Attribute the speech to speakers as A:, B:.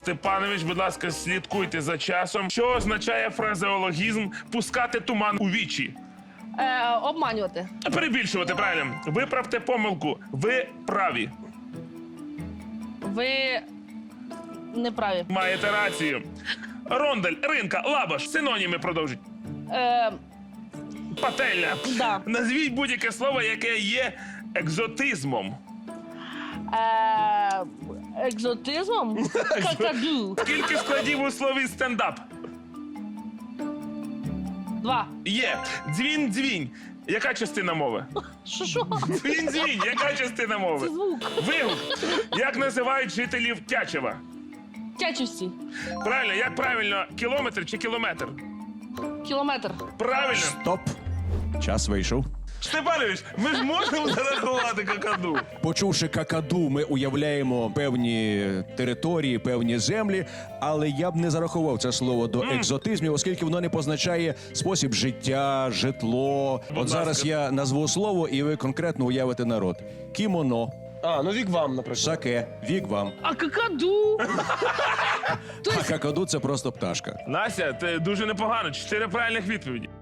A: Степанович, будь ласка, слідкуйте за часом. Що означає фразеологізм «пускати туман у вічі»?
B: Обманювати.
A: Перебільшувати, правильно. Виправте помилку. Ви праві.
B: Ви неправі.
A: Маєте рацію. Рондель, ринка, лабаш. Синоніми продовжіть. Пательня.
B: Да.
A: Назвіть будь-яке слово, яке є екзотизмом.
B: Екзотизмом? Какаду.
A: Скільки складів у слові стендап?
B: 2.
A: Є. Дзвін-дзвінь. Яка частина мови?
B: Що?
A: Дзвін-дзвінь. Яка частина мови?
B: Це звук.
A: Вигук. Як називають жителів Тячева?
B: Тячівці.
A: Правильно, як правильно, кілометр чи кілометр?
B: Кілометр.
A: Правильно.
C: Стоп. Час вийшов.
A: Степанович, ми ж можемо зарахувати какаду.
C: Почувши какаду, ми уявляємо певні території, певні землі, але я б не зарахував це слово до екзотизмів, оскільки воно не позначає спосіб життя, житло. От зараз я назву слово, і ви конкретно уявите народ. Кімоно,
D: Ну вік вам, наприклад.
C: саке, вігвам.
B: А какаду?
C: А какаду – це просто пташка.
A: Настя, ти дуже непогано. 4 правильних відповіді.